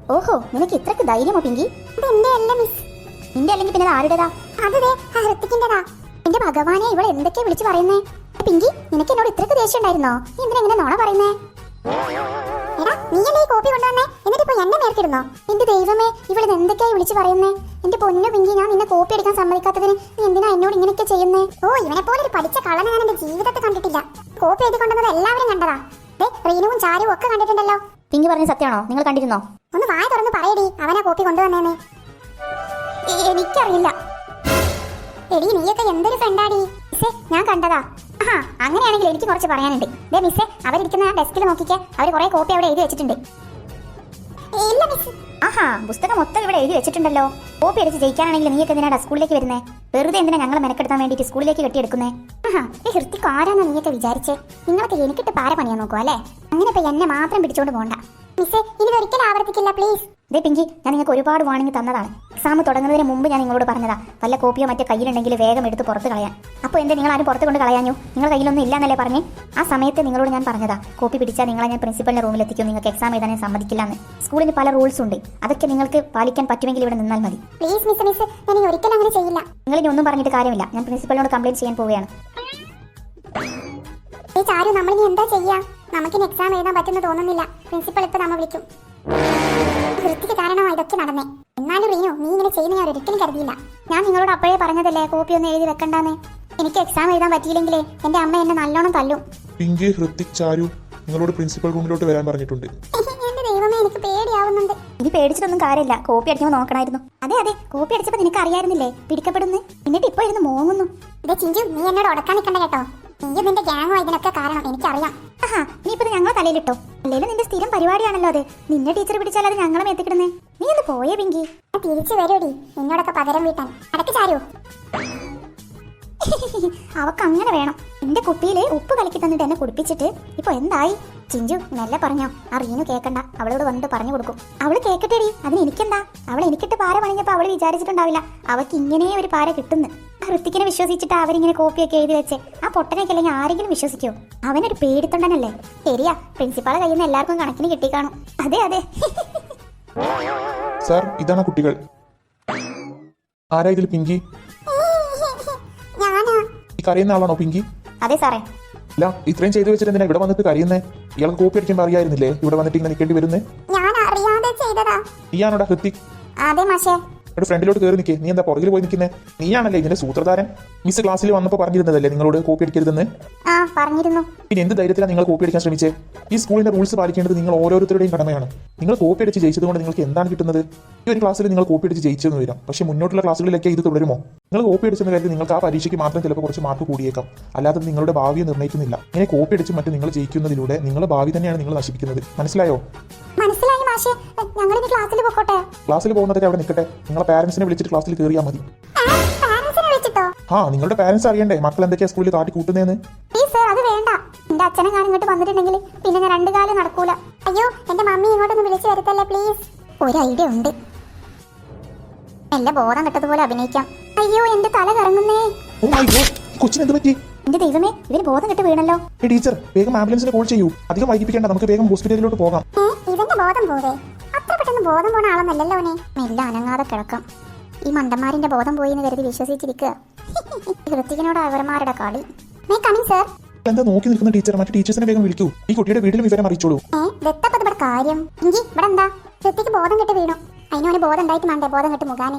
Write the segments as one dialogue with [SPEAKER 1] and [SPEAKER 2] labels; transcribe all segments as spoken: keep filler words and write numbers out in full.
[SPEAKER 1] ഓഹോ, നിനക്ക് ഇത്രക്ക് ധൈര്യമോ പിങ്കി?
[SPEAKER 2] എന്റെ അല്ല മിസ്.
[SPEAKER 1] നിന്റെ അല്ലെങ്കിൽ പിന്നെ ആരുടേതാ?
[SPEAKER 2] അത് ദേ ആ ഹൃത്തിക്കിന്റെതാ.
[SPEAKER 1] എന്റെ ഭഗവാനെ, ഇവൾ എന്തൊക്കെയാ വിളിച്ചു പറയുന്നേ? പിങ്കി, നിനക്ക് എന്നോട് ഇത്രക്ക് ദേഷ്യം ഉണ്ടായിരുന്നോ? നീ എന്തിനാ ഇങ്ങനെ നോണ പറയുന്നേ?
[SPEAKER 2] എടാ, നീയല്ലേ ഈ കോപ്പി കൊണ്ടുവന്നേ? എന്നിട്ട് ഇപ്പൊ എന്നെ മേർക്കിടുന്നോ?
[SPEAKER 1] എന്റെ ദൈവമേ, ഇവൾ എന്തൊക്കെയായി വിളിച്ചു പറയുന്നേ? എന്റെ പൊന്നു പിങ്കി, ഞാൻ നിന്നെ കോപ്പി എടുക്കാൻ സമ്മതിക്കാത്തതിന് നീ എന്തിനാ എന്നോട് ഇങ്ങനെയൊക്കെ ചെയ്യുന്നേ?
[SPEAKER 2] ഓ, ഇവനെ പോലെ ഒരു പഠിച്ച കള്ളനെ ഞാൻ എന്റെ ജീവിതത്തിൽ കണ്ടിട്ടില്ല. കോപ്പി എഴുതി കൊണ്ടുവന്നത് എല്ലാവരും കണ്ടതാ. ദേ, റീനുവും ചാരുവും ഒക്കെ കണ്ടിട്ടുണ്ടല്ലോ.
[SPEAKER 1] പിങ്കി പറഞ്ഞ സത്യമാണോ? നിങ്ങൾ കണ്ടിരുന്നോ?
[SPEAKER 2] ഒന്ന് വായ തുറന്ന് പറയടി, അവനാ കോപ്പി കൊണ്ടുവന്നേന്ന്.
[SPEAKER 1] എനിക്കറിയില്ല.
[SPEAKER 2] എടി, നീയൊക്കെ എന്തൊരു ഫ്രണ്ടാടി.
[SPEAKER 1] മിസ്സേ, ഞാൻ കണ്ടതാ. ആ, അങ്ങനെയാണെങ്കിൽ എനിക്ക് കുറച്ച് പറയാനുണ്ട്. ദേ മിസ്സേ, അവരിരിക്കുന്ന ആ ഡെസ്കിൽ നോക്കിക്കേ, അവർ കുറെ കോപ്പി അവിടെ എഴുതി വെച്ചിട്ടുണ്ട്.
[SPEAKER 2] ഇല്ല മിസ്.
[SPEAKER 1] ആഹാ, പുസ്തകം മൊത്തം ഇവിടെ എഴുതി വെച്ചിട്ടുണ്ടല്ലോ. കോപ്പി അടിച്ച് ജയിക്കാനാണെങ്കിൽ നീയൊക്കെ എന്തിനാ സ്കൂളിലേക്ക് വരുന്നേ? വെറുതെ എന്തിനാ ഞങ്ങളെ മെനക്കെടുത്താൻ വേണ്ടിയിട്ട് സ്കൂളിലേക്ക് കെട്ടിയെടുക്കുന്നേ? ആഹാ, ഈ ഹൃത്തിക്ക് ആരാന്നാ നീയൊക്കെ വിചാരിച്ചേ? നിങ്ങളൊക്കെ എനിക്കിട്ട് പാര പണിയാൻ നോക്കുക അല്ലേ? അങ്ങനെ ഇപ്പൊ എന്നെ മാത്രം പിടിച്ചോണ്ട് പോകണ്ട
[SPEAKER 2] മിസ്സേ. ഇനി ഒരിക്കലും ആവർത്തിക്കില്ല, പ്ലീസ്.
[SPEAKER 1] ദേ പിങ്കി, ഞാൻ നിങ്ങൾക്ക് ഒരുപാട് വാണിംഗ് തന്നതാണ്. എക്സാം തുടങ്ങുന്നതിന് മുമ്പ് ഞാൻ നിങ്ങളോട് പറഞ്ഞതാ, വല്ല കോപ്പിയോ മറ്റോ കയ്യിലുണ്ടെങ്കിൽ വേഗം എടുത്ത് പുറത്ത് കളയാൻ. അപ്പോൾ എന്താ നിങ്ങൾ ആരും പുറത്ത് കൊണ്ട് കളയാഞ്ഞു? നിങ്ങൾ കയ്യിലൊന്നും ഇല്ലാന്നല്ലേ പറഞ്ഞേ? ആ സമയത്ത് നിങ്ങളോട് ഞാൻ പറഞ്ഞതാ, കോപ്പി പിടിച്ചാൽ നിങ്ങളെ ഞാൻ പ്രിൻസിപ്പലിന്റെ റൂമിൽ എത്തിക്കും, നിങ്ങൾക്ക് എക്സാം എഴുതാൻ സമ്മതിക്കില്ല എന്ന്. സ്കൂളിന് പല റൂൾസ് ഉണ്ട്, അതൊക്കെ നിങ്ങൾക്ക് പാലിക്കാൻ പറ്റുമെങ്കിൽ ഇവിടെ നിന്നാൽ മതി.
[SPEAKER 2] പ്ലീസ് മിസ്, മിസ്, ഞാൻ ഒരിക്കലും അങ്ങനെ ചെയ്യില്ല.
[SPEAKER 1] നിങ്ങൾ ഇനി ഒന്നും പറഞ്ഞിട്ട് കാര്യമില്ല, ഞാൻ പ്രിൻസിപ്പലിനോട് കംപ്ലയിന്റ് ചെയ്യാൻ പോവുകയാണ്.
[SPEAKER 2] ഈ ചാരു, നമ്മളിനി എന്താ ചെയ്യാ? നമുക്കിനി എക്സാം എഴുതാൻ പറ്റുന്ന തോന്നുന്നില്ല. പ്രിൻസിപ്പൽ ഇപ്പൊ നമ്മ വിളിക്കും. വൃത്തിക്ക് കാരണമാ ഇതൊക്കെ നടന്നേ. എന്നാലും റീനു, നീ ഇങ്ങനെ ചെയ്യുന്ന ഞാൻ ഒരിക്കലും കരുതിയില്ല.
[SPEAKER 1] ഞാൻ നിങ്ങളോട് അപ്പോഴേ പറഞ്ഞതല്ലേ കോപ്പി ഒന്നും എഴുതി വെക്കണ്ടാന്ന്. എനിക്ക് എക്സാം എഴുതാൻ പറ്റിയില്ലെങ്കിലേ എന്റെ അമ്മ എന്നെ നല്ലോണം തല്ലും.
[SPEAKER 3] പിങ്കി, ഹൃത്തിക്, ചാരു നിങ്ങളോട് പ്രിൻസിപ്പൽ റൂമിലോട്ട് വരാൻ പറഞ്ഞിട്ടുണ്ട്.
[SPEAKER 2] എന്റെ ദൈവമേ, എനിക്ക് പേടിയാവുന്നുണ്ട്.
[SPEAKER 1] ഇനി പേടിച്ചിട്ടൊന്നും കാര്യമില്ല, കോപ്പി അടിക്കുമ്പോൾ നോക്കണമായിരുന്നു. അതെ അതെ, കോപ്പി അടിച്ചപ്പോൾ നിനക്ക് അറിയായിരുന്നില്ലേ പിടിക്കപ്പെടുന്നു? എന്നിട്ട് ഇപ്പൊ ഇരുന്ന് മോങ്ങുന്നു.
[SPEAKER 2] ഇതേ ചിഞ്ചു, നീ എന്നോട് ഉടക്കാൻ നിൽക്കണ്ട കേട്ടോ. നീ നിന്റെ ഗ്യാങ്ങോ ഇതിനൊക്കെ കാരണം എനിക്കറിയാം.
[SPEAKER 1] ആഹാ, ഇനിയിപ്പോ ഞങ്ങളെ തലയിലിട്ടോ? അല്ലേലും നിന്റെ സ്ഥിരം പരിപാടിയാണല്ലോ അത്. നിന്നെ ടീച്ചർ പിടിച്ചാൽ അത് ഞങ്ങളെ എത്തിക്കിടുന്നേ. നീ ഒന്ന് പോയേ പിങ്കി.
[SPEAKER 2] തിരിച്ചു വരൂടി നിന്നോടൊക്കെ പകരം വീട്ടാൻ. അടക്ക് ചാരു.
[SPEAKER 1] അവക്ക് അങ്ങനെ വേണം. എന്റെ കുപ്പിയില് ഉപ്പ് കലക്കി തന്നിട്ട് എന്നെ കുടിപ്പിച്ചിട്ട് ഇപ്പൊ എന്തായി? ചിഞ്ചു, മെല്ലെ പറഞ്ഞോ, ആ റീനു കേക്കണ്ട. അവളോട് വന്നിട്ട് പറഞ്ഞു കൊടുക്കും. അവള് കേക്കട്ടെടി, അതിന് എനിക്കെന്താ? അവൾ എനിക്കിട്ട് പാര പണിഞ്ഞപ്പോ അവള് വിചാരിച്ചിട്ടുണ്ടാവില്ല അവക്ക് ഇങ്ങനെ ഒരു പാര കിട്ടുന്നു. ആ ഹൃത്തിക്കിനെ വിശ്വസിച്ചിട്ട് അവരിങ്ങനെ കോപ്പിയൊക്കെ എഴുതി വെച്ച് ആ പൊട്ടനൊക്കെ അല്ലെങ്കിൽ ആരെങ്കിലും വിശ്വസിക്കോ? അവനൊരു പേടിത്തൊണ്ടനല്ലേ? ശരിയാ, പ്രിൻസിപ്പാളെ കയ്യിൽ നിന്ന് എല്ലാവർക്കും കണക്കിന് കിട്ടിക്കാണും. അതെ അതെ.
[SPEAKER 3] സാർ, ഇതാണ് കുട്ടികൾ. ആരാ ഇതിൽ പിങ്കി?
[SPEAKER 2] ഞാനാ.
[SPEAKER 3] ഈ കരയുന്ന ആളാണോ പിങ്കി?
[SPEAKER 1] അതെ സാറേ.
[SPEAKER 3] അല്ല, ഇത്രയും ചെയ്തു വെച്ചിട്ട് എന്തിനാ ഇവിടെ വന്നിട്ട് കരയുന്നേ? ഇയാൾക്ക് കോപ്പി അടിക്കുമ്പോൾ അറിയായിരുന്നില്ലേ ഇവിടെ വന്നിട്ട് ഇങ്ങനെ നിൽക്കേണ്ടി വരുന്നേ?
[SPEAKER 2] ഞാൻ അറിയാതെ ചെയ്തതാ.
[SPEAKER 3] നീയാണോടാ ഹൃത്തിക്?
[SPEAKER 2] അതെ മാഷേ.
[SPEAKER 3] ഇവിടെ ഫ്രണ്ടിലോട്ട് കയറി നിൽക്കേ. നീ എന്താ പുറകിൽ പോയി നിൽക്കുന്നേ? നീയാണല്ലേ ഇതിന്റെ സൂത്രധാരൻ? മിസ് ക്ലാസ്സിൽ വന്നപ്പോൾ പറഞ്ഞിരുന്നതല്ലേ നിങ്ങളോട് കോപ്പി അടിക്കരുതെന്ന്?
[SPEAKER 1] ആ, പറഞ്ഞിരുന്നു.
[SPEAKER 3] പിന്നെ എന്ത് ധൈര്യത്തിലാണ് നിങ്ങൾ കോപ്പി അടിക്കാൻ ശ്രമിച്ചേ? ഈ സ്കൂളിന്റെ റൂൾസ് പാലിക്കേണ്ടത് നിങ്ങൾ ഓരോരുത്തരുടെയും കടമയാണ്. നിങ്ങൾ കോപ്പി അടിച്ച് ജയിച്ചത് കൊണ്ട് നിങ്ങൾക്ക് എന്താണ് കിട്ടുന്നത്? ഈ ഒരു ക്ലാസ്സിൽ നിങ്ങൾ കോപ്പി അടിച്ച് ജയിച്ചെന്ന് വരാം, പക്ഷേ മുന്നോട്ടുള്ള ക്ലാസ്സുകളിലൊക്കെ ഇത് തുടരുമോ? നിങ്ങൾ കോപ്പി അടിച്ചെന്ന കാര്യത്തിൽ നിങ്ങൾക്ക് ആ പരീക്ഷയ്ക്ക് മാത്രം ചിലപ്പോൾ കുറച്ച് മാർക്ക് കൂടിയേക്കാം, അല്ലാതെ നിങ്ങളുടെ ഭാവിയെ നിർണ്ണയിക്കുന്നില്ല. ഇങ്ങനെ കോപ്പി അടിച്ച് മറ്റും നിങ്ങൾ ജയിക്കുന്നതിലൂടെ നിങ്ങളുടെ ഭാവി തന്നെയാണ് നിങ്ങൾ നശിപ്പിക്കുന്നത്. മനസ്സിലായോ?
[SPEAKER 2] മനസ്സിലായി മാഷേ. ഞങ്ങൾ ഇനി ക്ലാസ്സിൽ പോകട്ടെ.
[SPEAKER 3] ക്ലാസ്സിൽ പോകുന്നതൊക്കെ അവിടെ നിൽക്കട്ടെ. നിങ്ങളെ പാരന്റ്സിനെ വിളിച്ചിട്ട് ക്ലാസ്സിൽ കയറിയാൽ മതി.
[SPEAKER 2] പാരന്റ്സിനെ വിളിച്ചിട്ടോ?
[SPEAKER 3] ആ, നിങ്ങളുടെ പാരന്റ്സ് അറിയണ്ടേ മക്കൾ എന്തൊക്കെയാ സ്കൂളിൽ കാട്ടി കൂട്ടുന്നതെന്ന്?
[SPEAKER 2] സർ, അത് വേണ്ട.
[SPEAKER 1] എന്റെ അച്ഛനെ ഞാൻ ഇങ്ങോട്ട് വന്നിട്ടുണ്ടെങ്കിൽ പിന്നെ ഞാൻ രണ്ടു കാലം നടക്കൂല.
[SPEAKER 2] അയ്യോ, എന്റെ മമ്മി ഇങ്ങോട്ടൊന്ന് വിളിച്ചു വരുത്തല്ലേ പ്ലീസ്.
[SPEAKER 1] ഒരു ഐഡിയ ഉണ്ട്. എന്റെ ബോധം കെട്ടതുപോലെ അഭിനയിക്കാം. അയ്യോ, എന്റെ തല കറങ്ങുന്നേ.
[SPEAKER 3] ഓ മൈ ഗോഡ്, കൊച്ചിന് എന്ത് പറ്റി?
[SPEAKER 1] എന്റെ ദൈവമേ, ഇവര് ബോധം കെട്ട് വീണല്ലോ.
[SPEAKER 3] ടീച്ചർ, വേഗം ആംബുലൻസിന് കോൾ ചെയ്യൂ. അധികം വൈകിപ്പിക്കേണ്ട, നമുക്ക് വേഗം ഹോസ്പിറ്റലിലോട്ട് പോകാം.
[SPEAKER 2] ഇവന്റെ ബോധം പോവേ? അത്ര പെട്ടെന്ന് ബോധം പോണ ആളൊന്നല്ലല്ലോ അവനെ.
[SPEAKER 1] മെല്ലെ അനങ്ങാതെ കിടക്കാം. ഈ മണ്ടന്മാരിന്റെ ബോധം പോയി എന്ന് കരുതി വിശ്വസിച്ചിരിക്കുക. ഹൃത്തികിനോട് അവരന്മാരുടെ കളി.
[SPEAKER 2] May coming sir.
[SPEAKER 3] എന്താ നോക്കി നിൽക്കുന്ന ടീച്ചർ? മറ്റു ടീച്ചേഴ്സിനെ വേഗം വിളിക്കൂ. ഈ കുട്ടിയുടെ വീട്ടിലും വിവരം അറിയിച്ചോളൂ.
[SPEAKER 2] ഏഹ്, ദത്തപ്പത് ഇവിടെ കാര്യം. ഇഞ്ചി, ഇവിടെ എന്താ? ഹൃത്തിക്ക് ബോധം കെട്ട് വീണു. അതിനോന് ബോധം ഉണ്ടായിട്ട് വേണ്ടേ ബോധം കെട്ട് മുഖാനെ?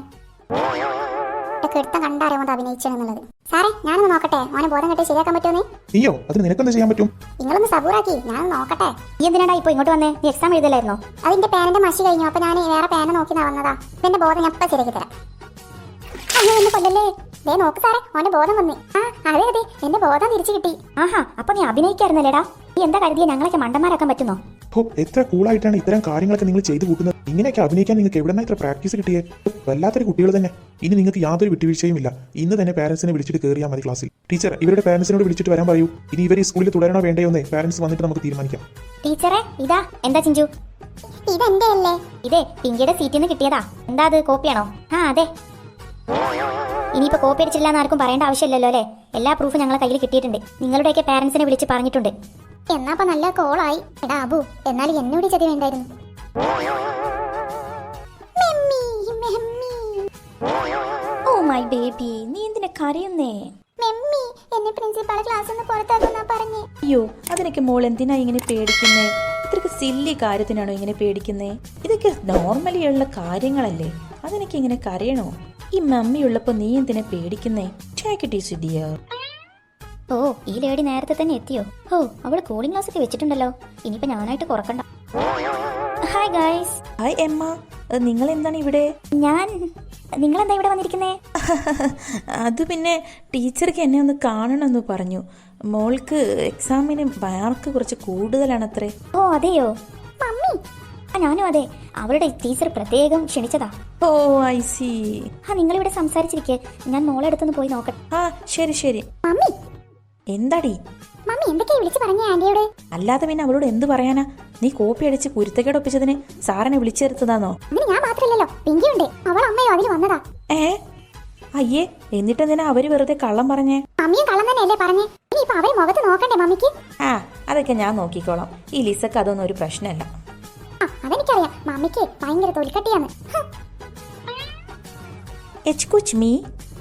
[SPEAKER 2] കെടുത്തം കണ്ടറിയാമോ അഭിനയിച്ചെന്നുള്ളത്. സാറേ, ഞാനൊന്ന് നോക്കട്ടെ ഓനെ ബോധം കെട്ട് ശരിയാക്കാൻ പറ്റുമോ?
[SPEAKER 3] നീയോ? അതിന് നിനക്കെന്താ ചെയ്യാൻ പറ്റും?
[SPEAKER 2] നിങ്ങളൊന്ന് സബൂറാക്കി, ഞാനൊന്ന് നോക്കട്ടെ.
[SPEAKER 1] നീ എന്തിനാടാ ഇപ്പൊ ഇങ്ങോട്ട് വന്നേ? നീ എക്സാം എഴുതലായിരുന്നോ?
[SPEAKER 2] അതിന്റെ പേനന്റെ മഷി കഴിഞ്ഞു, അപ്പൊ ഞാൻ വേറെ പേന നോക്കി വന്നതാ. എന്റെ ബോധം ഞാൻ ഇപ്പൊ ശരിയാക്കി തരാം. അയ്യോ, എന്നെ കൊല്ലല്ലേ. ദേ നോക്ക് സാറേ, ഓന്റെ ബോധം വന്ന്. ആ, അതെ അതെ, എന്റെ ബോധം തിരിച്ചു കിട്ടി.
[SPEAKER 1] ആഹാ, അപ്പൊ നീ അഭിനയിക്കായിരുന്നല്ലേടാ? നീ എന്താ കരുതിയ ഞങ്ങളൊക്കെ മണ്ടന്മാരാക്കാൻ പറ്റുന്നോ?
[SPEAKER 3] ഓ, എത്ര കൂളായിട്ടാണ് ഇത്തരം കാര്യങ്ങളൊക്കെ നിങ്ങൾ ചെയ്തു കൂട്ടുന്നത്. ഇങ്ങനെയൊക്കെ അഭിനയിക്കാൻ നിങ്ങൾക്ക് എവിടെ നിന്നാ ഇത്ര പ്രാക്ടീസ് കിട്ടിയേ? വല്ലാത്തൊരു കുട്ടികൾ തന്നെ. ഇനി നിങ്ങൾക്ക് യാതൊരു വിട്ടുവീഴ്ചയും ഇല്ല. ഇന്ന് തന്നെ പാരന്റ്സിനെ വിളിച്ചിട്ട് കയറിയാൽ മതി ക്ലാസ്സിൽ. ടീച്ചർ, ഇവരുടെ പാരന്റ്സിനോട് വിളിച്ചിട്ട് വരാൻ പറയൂ. ഇനി ഇവർ ഈ സ്കൂളിൽ തുടരണോ വേണ്ടയോ എന്നേ പാരന്റ്സ് വന്നിട്ട് നമുക്ക് തീരുമാനിക്കാം.
[SPEAKER 1] ടീച്ചറെ, ഇതാ. എന്താ ചിഞ്ചു?
[SPEAKER 2] ഇതെന്റെ അല്ലേ?
[SPEAKER 1] ഇതേ പിങ്കിയുടെ സീറ്റിൽ നിന്ന് കിട്ടിയതാ. എന്താ അത്, കോപ്പിയാണോ? ആ അതെ. ഇനിയിപ്പോ കോപ്പി അടിച്ചില്ല എന്ന് ആർക്കും പറയേണ്ട ആവശ്യമില്ലല്ലോ അല്ലേ? എല്ലാ പ്രൂഫും ഞങ്ങളെ കയ്യിൽ കിട്ടിയിട്ടുണ്ട്. നിങ്ങളുടെയൊക്കെ പാരന്റ്സിനെ വിളിച്ച് പറഞ്ഞിട്ടുണ്ട്. എന്നാ അപ്പൊ നല്ല കോളായി. എടാ അബു, എന്നാലും എന്നോട് ചതി വേണ്ടായിരുന്നു.
[SPEAKER 4] മൈ ബേബി, നീ എന്തിനാ കരയുന്നേ?
[SPEAKER 2] മെമ്മി എന്നെ പ്രിൻസിപ്പാൾ ക്ലാസ്സിൽ നിന്ന് പുറത്താക്കുന്നാ പറഞ്ഞേ.
[SPEAKER 4] അയ്യോ, അതിനൊക്കെ മോൾ എന്തിനാ ഇങ്ങനെ പേടിക്കുന്നേ? ഇത്രക്ക് സില്ലി കാര്യത്തിനാണോ ഇങ്ങനെ പേടിക്കുന്നേ? ഇതൊക്കെ നോർമലി ഉള്ള കാര്യങ്ങളല്ലേ, അതിനൊക്കെ ഇങ്ങനെ കരയണോ? ഈ മമ്മി ഉള്ളപ്പോ നീ എന്തിനാ പേടിക്കുന്നേ? Take it easy dear.
[SPEAKER 1] ഓ, ഈ ലേഡി നേരത്തെ തന്നെ എത്തിയോ? ഓ, അവള് കൂളിംഗ് ഗ്ലാസ് ഒക്കെ വെച്ചിട്ടുണ്ടല്ലോ. ഇനിയിപ്പോ ഞാനായിട്ട് കുറക്കണ്ട. Hi guys.
[SPEAKER 4] ഹായ് എമ്മ, നിങ്ങൾ എന്താണ് ഇവിടെ?
[SPEAKER 1] ഞാൻ നിങ്ങളെന്താ ഇവിടെ വന്നിരിക്കുന്നേ?
[SPEAKER 4] അത് പിന്നെ ടീച്ചർക്ക് എന്നെ ഒന്ന് കാണണമെന്ന് പറഞ്ഞു. മോൾക്ക് എക്സാമിന് മാർക്ക് കുറച്ച് കൂടുതലാണത്രേ.
[SPEAKER 1] ഓ അതെയോ?
[SPEAKER 2] മമ്മി
[SPEAKER 1] ആ ഞാനും അതെ. അവരുടെ ടീച്ചർ പ്രത്യേകം ക്ഷണിച്ചതാ.
[SPEAKER 4] ഓ ഐ സി.
[SPEAKER 1] ആ നിങ്ങളിവിടെ സംസാരിച്ചിരിക്കെ, ഞാൻ മോളെ അടുത്തൊന്ന് പോയി നോക്കട്ടെ.
[SPEAKER 4] ആ ശരി ശരി.
[SPEAKER 2] മമ്മി
[SPEAKER 4] എന്താടി?
[SPEAKER 2] മമ്മി എന്തൊക്കെയാ വിളിച്ചു പറഞ്ഞേ ആന്റിയോട്?
[SPEAKER 4] അല്ലാതെ പിന്നെ അവളോട് എന്ത് പറയാനാ? നീ കോപ്പി അടിച്ച് കുരുത്തക്കേട് ഒപ്പിച്ചതിന് സാറിനെ വിളിച്ചെടുത്തതാണോ?
[SPEAKER 2] അങ്ങനെ ഞാൻ മാത്രല്ലല്ലോ, പിങ്കിയുണ്ട്. അവൾ അമ്മയോ അതിന് വന്നതാ.
[SPEAKER 4] ഏ അയ്യേ, എന്നിട്ടെന്തിനാ അവര് വെറുതെ കള്ളം പറഞ്ഞേ?
[SPEAKER 2] മമ്മിയും കള്ളം തന്നെയല്ലേ പറഞ്ഞേ? ഇനിയിപ്പോ അവരെ മുഖത്ത് നോക്കണ്ടേ മമ്മിക്ക്?
[SPEAKER 4] ആ അതൊക്കെ ഞാൻ നോക്കിക്കോളാം. ഈ ലിസക്ക് അതൊന്നും ഒരു പ്രശ്നമല്ല.
[SPEAKER 2] ആ അതെനിക്കറിയാം, മമ്മിക്ക് ഭയങ്കര തൊലിക്കട്ടിയാണ്.
[SPEAKER 4] എച്ച് മീ,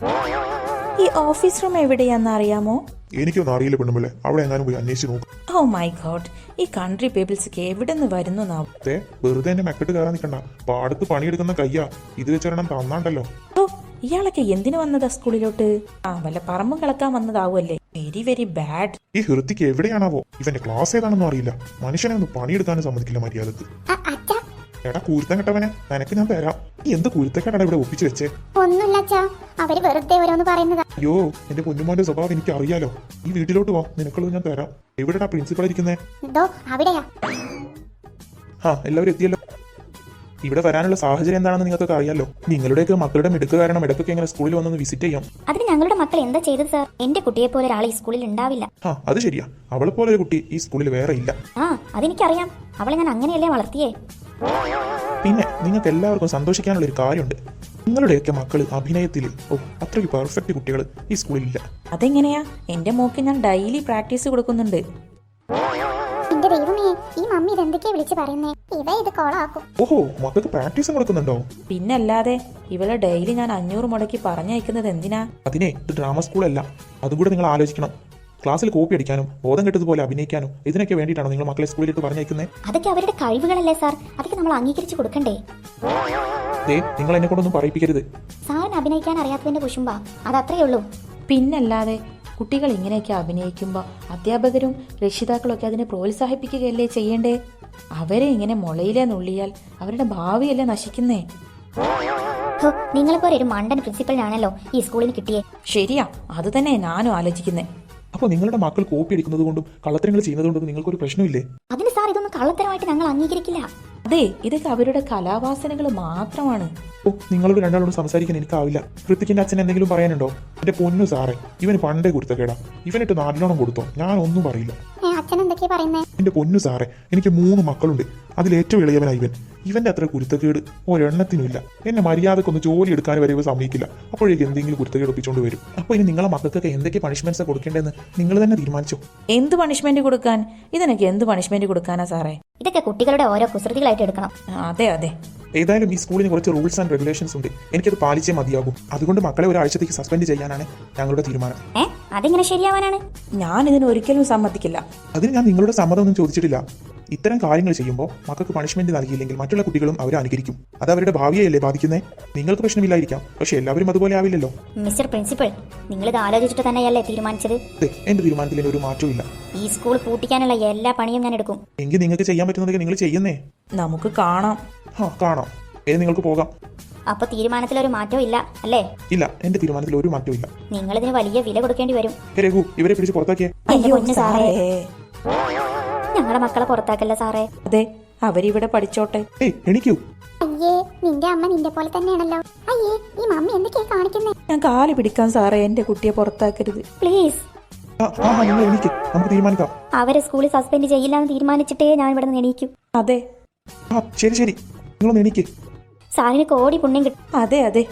[SPEAKER 4] ഈ ഓഫീസ് റൂം എവിടെയാന്ന് അറിയാമോ?
[SPEAKER 3] എനിക്കൊന്നും അറിയില്ല പെണ്ണുമ്പിള്ളെ, അവിടെ എങ്ങാനും പോയി അന്വേഷിച്ച് നോക്കും.
[SPEAKER 4] ഓ മൈ ഗോഡ്, ഈ കൺട്രി പീപ്പിൾസ് ഒക്കെ എവിടെ നിന്ന് വരുന്നു നാവും.
[SPEAKER 3] അതെ, വെറുതെ എന്നെ മെക്കെട്ട് കയറാൻ നിൽക്കണ്ട. പാടത്ത് പണിയെടുക്കുന്ന കയ്യാ, ഇത് വെച്ചൊരെണ്ണം തന്നാണ്ടല്ലോ.
[SPEAKER 4] ഓ ഇയാളൊക്കെ എന്തിനു വന്നതാ സ്കൂളിലോട്ട്? ആ വല്ല പറമ്പും കളക്കാൻ വന്നതാവുമല്ലേ? Very very bad.
[SPEAKER 3] ഈ ഹൃത്തിക്ക് എവിടെയാണാവോ? ഇവന്റെ ക്ലാസ് ഏതാണെന്നും അറിയില്ല. മനുഷ്യനെ ഒന്ന് പണിയെടുക്കാനും സമ്മതിക്കില്ല മര്യാദക്ക്.
[SPEAKER 2] അച്ഛാ
[SPEAKER 3] എടാ കുരുത്തം കെട്ടവനെ, നിനക്ക് ഞാൻ തരാം. നീ എന്ത് കുരുത്തക്കെട്ടാണ് ഇവിടെ ഒപ്പിച്ചു വെച്ചേ?
[SPEAKER 2] ഒന്നുമില്ല അച്ഛാ, അവര് വെറുതെ ഓരോന്ന് പറയുന്നതാ.
[SPEAKER 3] അയ്യോ, എന്റെ പൊന്നുമോന്റെ സ്വഭാവം എനിക്ക് അറിയാലോ. ഈ വീട്ടിലോട്ട് വാ, നിനക്കുള്ളത് ഞാൻ തരാം. എവിടെടാ പ്രിൻസിപ്പൾ ഇരിക്കുന്നേ?
[SPEAKER 2] ഇതോ അവിടെയാ.
[SPEAKER 3] ആ എല്ലാവരും എത്തിയല്ലോ. ഇവിടെ വരാനുള്ള സാഹചര്യം എന്താണെന്ന് നിങ്ങൾക്കൊക്കെ അറിയാലോ. നിങ്ങളുടെയൊക്കെ മക്കളുടെ മിടുക്ക് കാരണം ഇടയ്ക്കൊക്കെ ഇങ്ങനെ സ്കൂളിൽ വന്നൊന്ന് വിസിറ്റ് ചെയ്യാം.
[SPEAKER 1] അതിന് ഞങ്ങളുടെ മക്കൾ എന്താ ചെയ്തത് സാർ? എന്റെ കുട്ടിയെ പോലെ ഒരാൾ ഈ സ്കൂളിൽ ഉണ്ടാവില്ല.
[SPEAKER 3] ആ അത് ശരിയാ, അവളെ പോലെ ഒരു കുട്ടി ഈ സ്കൂളിൽ വേറെ ഇല്ല.
[SPEAKER 1] ആ അതെനിക്കറിയാം, അവളെ ഞാൻ അങ്ങനെയല്ലേ വളർത്തിയേ.
[SPEAKER 3] പിന്നെ നിങ്ങൾക്ക് എല്ലാവർക്കും സന്തോഷിക്കാനുള്ള ഒരു കാര്യമുണ്ട്. നിങ്ങളുടെയൊക്കെ മക്കള് അഭിനയത്തിൽ ഓ അത്രയ്ക്ക് പെർഫെക്റ്റ് കുട്ടികൾ ഈ സ്കൂളിലില്ല.
[SPEAKER 4] അതെങ്ങനെയാ? എന്റെ മോക്ക് ഞാൻ ഡെയിലി പ്രാക്ടീസ് കൊടുക്കുന്നുണ്ട്.
[SPEAKER 2] എന്റെ ദൈവമേ, ഈ മമ്മി ഇതെന്തൊക്കെയാ വിളിച്ചു പറയുന്നേ? ഇവ ഇത് കോളാക്കും.
[SPEAKER 3] ഓഹോ, മക്കൾക്ക് പ്രാക്ടീസും കൊടുക്കുന്നുണ്ടോ?
[SPEAKER 4] പിന്നല്ലാതെ, ഇവളെ ഡെയിലി ഞാൻ അഞ്ഞൂറ് മുടക്കി പറഞ്ഞയക്കുന്നത് എന്തിനാ?
[SPEAKER 3] അതിനെ ഇത് ഡ്രാമ സ്കൂളല്ല, അതും കൂടെ നിങ്ങൾ ആലോചിക്കണം. ക്ലാസ്സിൽ കോപ്പി അടിക്കാനും ബോധം കെട്ടതുപോലെ അഭിനയിക്കാനും ഇതിനൊക്കെ വേണ്ടിയിട്ടാണോ നിങ്ങൾ മക്കളെ സ്കൂളിലിട്ട് പറഞ്ഞയക്കുന്നത്?
[SPEAKER 1] അതൊക്കെ അവരുടെ കഴിവുകളല്ലേ സാർ, അതൊക്കെ നമ്മൾ അംഗീകരിച്ചു കൊടുക്കണ്ടേ?
[SPEAKER 3] ദേ, നിങ്ങൾ എന്നെ കൊണ്ടൊന്നും പറയിപ്പിക്കരുത്.
[SPEAKER 1] സാറിന് അഭിനയിക്കാൻ അറിയാത്തതിന്റെ കുശുമ്പാ, അതത്രയേ ഉള്ളൂ.
[SPEAKER 4] പിന്നല്ലാതെ, കുട്ടികൾ ഇങ്ങനെയൊക്കെ അഭിനയിക്കുമ്പോൾ അധ്യാപകരും രക്ഷിതാക്കളും ഒക്കെ അതിനെ പ്രോത്സാഹിപ്പിക്കുകയല്ലേ ചെയ്യേണ്ടേ? അവരെ ഇങ്ങനെ മുളയിലെ നുള്ളിയാൽ അവരുടെ ഭാവിയല്ലേ നശിക്കുന്നേ.
[SPEAKER 1] നിങ്ങളെപ്പോലെ ഒരു മണ്ടൻ പ്രിൻസിപ്പലിനാണല്ലോ ഈ സ്കൂളിന് കിട്ടിയേ.
[SPEAKER 4] ശരിയാ, അത് തന്നെ ഞാനും ആലോചിക്കുന്നേ.
[SPEAKER 3] അപ്പോൾ നിങ്ങളുടെ മക്കൾ കോപ്പി അടിക്കുന്നത് കൊണ്ടും കള്ളത്തരങ്ങൾ ചെയ്യുന്നത് കൊണ്ടും നിങ്ങൾക്കൊരു പ്രശ്നമില്ലേ?
[SPEAKER 1] അതിന് സാർ ഇതൊന്നും കള്ളത്തരമായിട്ട് ഞങ്ങൾ അംഗീകരിക്കില്ല.
[SPEAKER 4] അതെ, ഇതൊക്കെ അവരുടെ കലാവാസനകൾ മാത്രമാണ്.
[SPEAKER 3] ഓ, നിങ്ങളോട് രണ്ടാളോട് സംസാരിക്കാൻ എനിക്കാവില്ല. ഹൃത്തിക്കിന്റെ അച്ഛൻ എന്തെങ്കിലും പറയാനുണ്ടോ? എന്റെ പൊന്നു സാറേ, ഇവന് പണ്ടേ കുരുത്തക്കേടാ. ഇവനിട്ട് നാലോണം കൊടുത്തോ, ഞാൻ ഒന്നും പറയില്ല.
[SPEAKER 2] അച്ഛൻ എന്തൊക്കെയാ പറയുന്നേ?
[SPEAKER 3] എന്റെ പൊന്നു സാറേ, എനിക്ക് മൂന്ന് മക്കളുണ്ട്. അതിലേറ്റവും ഇളയവനാ ഇവൻ. ഇവന്റെ അത്ര കുരുത്തക്കേട് ഒരെണ്ണത്തിനുമില്ല. എന്നെ മര്യാദക്കൊന്ന് ജോലി എടുക്കാൻ വരെ ഇവ സമ്മതിക്കില്ല. അപ്പോഴേക്ക് എന്തെങ്കിലും കുരുത്തക്കേട് ഒപ്പിച്ചുകൊണ്ട് വരും. അപ്പോൾ ഇനി നിങ്ങളെ മക്കൾക്കൊക്കെ എന്തൊക്കെ പണിഷ്മെന്റ്സ് കൊടുക്കേണ്ടതെന്ന് നിങ്ങൾ തന്നെ തീരുമാനിച്ചോ?
[SPEAKER 4] എന്ത് പണിഷ്മെന്റ് കൊടുക്കാൻ? ഇതിനൊക്കെ എന്ത് പണിഷ്മെന്റ് കൊടുക്കാനാ സാറേ?
[SPEAKER 1] ഇതൊക്കെ കുട്ടികളുടെ ഓരോ കുസൃതികളായിട്ട് എടുക്കണം.
[SPEAKER 4] അതെ അതെ,
[SPEAKER 3] ഏതായാലും ഈ സ്കൂളിന് കുറച്ച് റൂൾസ് ആൻഡ് റെഗുലേഷൻസ് ഉണ്ട്. എനിക്കത് പാലിച്ചേ മതിയാകും. അതുകൊണ്ട് മക്കളെ ഒരാഴ്ചത്തേക്ക് സസ്പെൻഡ് ചെയ്യാനാണ് ഞങ്ങളുടെ തീരുമാനം.
[SPEAKER 1] ഏ അതെങ്ങനെ ശരിയാവാനാണ്?
[SPEAKER 4] ഞാൻ ഇതിന് ഒരിക്കലും സമ്മതിക്കില്ല.
[SPEAKER 3] അതിന് ഞാൻ നിങ്ങളുടെ സമ്മതമൊന്നും ചോദിച്ചിട്ടില്ല. ഇത്തരം കാര്യങ്ങൾ ചെയ്യുമ്പോൾ മക്കൾക്ക് പണിഷ്മെന്റ് നൽകിയില്ലെങ്കിൽ മറ്റുള്ള കുട്ടികളും അവരെ അനുകരിക്കും. അത് അവരുടെ ഭാവിയെയല്ലേ ബാധിക്കുന്നേ? നിങ്ങൾക്ക് പ്രശ്നമില്ലായിരിക്കാം, പക്ഷെ എല്ലാവരും അതുപോലെ ആവില്ലല്ലോ.
[SPEAKER 1] മിസ്റ്റർ പ്രിൻസിപ്പൽ, നിങ്ങളിത് ആലോചിച്ചിട്ട് തന്നെയല്ലേ തീരുമാനിച്ചത്?
[SPEAKER 3] അതെ, എന്റെ തീരുമാനത്തിൽ ഒരു മാറ്റവും ഇല്ല.
[SPEAKER 1] ഈ സ്കൂൾ പൂട്ടിക്കാനുള്ള എല്ലാ പണിയും ഞാൻ എടുക്കും.
[SPEAKER 3] എങ്കിൽ നിങ്ങൾക്ക് ചെയ്യാൻ പറ്റുന്നതൊക്കെ നിങ്ങൾ ചെയ്യുന്നേ.
[SPEAKER 4] നമുക്ക് കാണാം.
[SPEAKER 3] ആ കാണാം. ഏത് നിങ്ങൾക്ക് പോകാം.
[SPEAKER 1] അപ്പൊ തീരുമാനത്തിൽ ഒരു മാറ്റവും ഇല്ല അല്ലേ?
[SPEAKER 3] ഇല്ല, എന്റെ തീരുമാനത്തിൽ ഒരു മാറ്റവും ഇല്ല.
[SPEAKER 1] നിങ്ങൾ ഇതിന് വലിയ വില കൊടുക്കേണ്ടി വരും.
[SPEAKER 3] രഘു, ഇവരെ പിടിച്ച് പുറത്താക്കിയേ.
[SPEAKER 4] അയ്യോ സാറേ,
[SPEAKER 1] ഞങ്ങളുടെ മക്കളെ പുറത്താക്കല്ല സാറേ.
[SPEAKER 4] അതെ, അവരിവിടെ പഠിച്ചോട്ടെ.
[SPEAKER 3] ഏയ് എണിക്കൂ.
[SPEAKER 2] അയ്യേ, നിന്റെ അമ്മ നിന്റെ പോലെ തന്നെയാണല്ലോ. അയ്യേ, ഈ മമ്മി എന്തൊക്കെയാ കാണിക്കുന്നേ?
[SPEAKER 4] ഞാൻ കാല് പിടിക്കാൻ സാറേ, എന്റെ കുട്ടിയെ പുറത്താക്കരുത്
[SPEAKER 1] പ്ലീസ്.
[SPEAKER 3] ആ ആ നിങ്ങൾ എണീക്ക്, നമുക്ക് തീരുമാനിക്കാം.
[SPEAKER 1] അവരെ സ്കൂളിൽ സസ്പെൻഡ് ചെയ്യില്ലാന്ന് തീരുമാനിച്ചിട്ടേ ഞാൻ ഇവിടെ നിന്ന് എണീക്കും.
[SPEAKER 4] അതെ
[SPEAKER 3] ആ ശരി ശരി, നിങ്ങളൊന്ന് എണീക്ക്.
[SPEAKER 1] സാറിന് കോടി പുണ്യം കിട്ടും.
[SPEAKER 4] അതെ അതെ,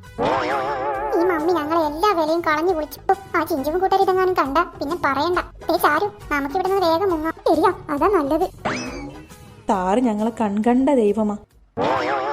[SPEAKER 2] ഈ മമ്മി ഞങ്ങളെ എല്ലാ വിലയും കളഞ്ഞു കുളിച്ചു. ആ ചിഞ്ചും കൂട്ടർ ഇതെങ്ങാനും കണ്ട പിന്നെ പറയണ്ട. ഏ ചാരു, നമുക്ക് ഇവിടെ നിന്ന് വേഗം മുങ്ങാം. ശരിയാ, അതാ നല്ലത്.
[SPEAKER 4] സാറ് ഞങ്ങളെ കൺകണ്ട ദൈവമാ.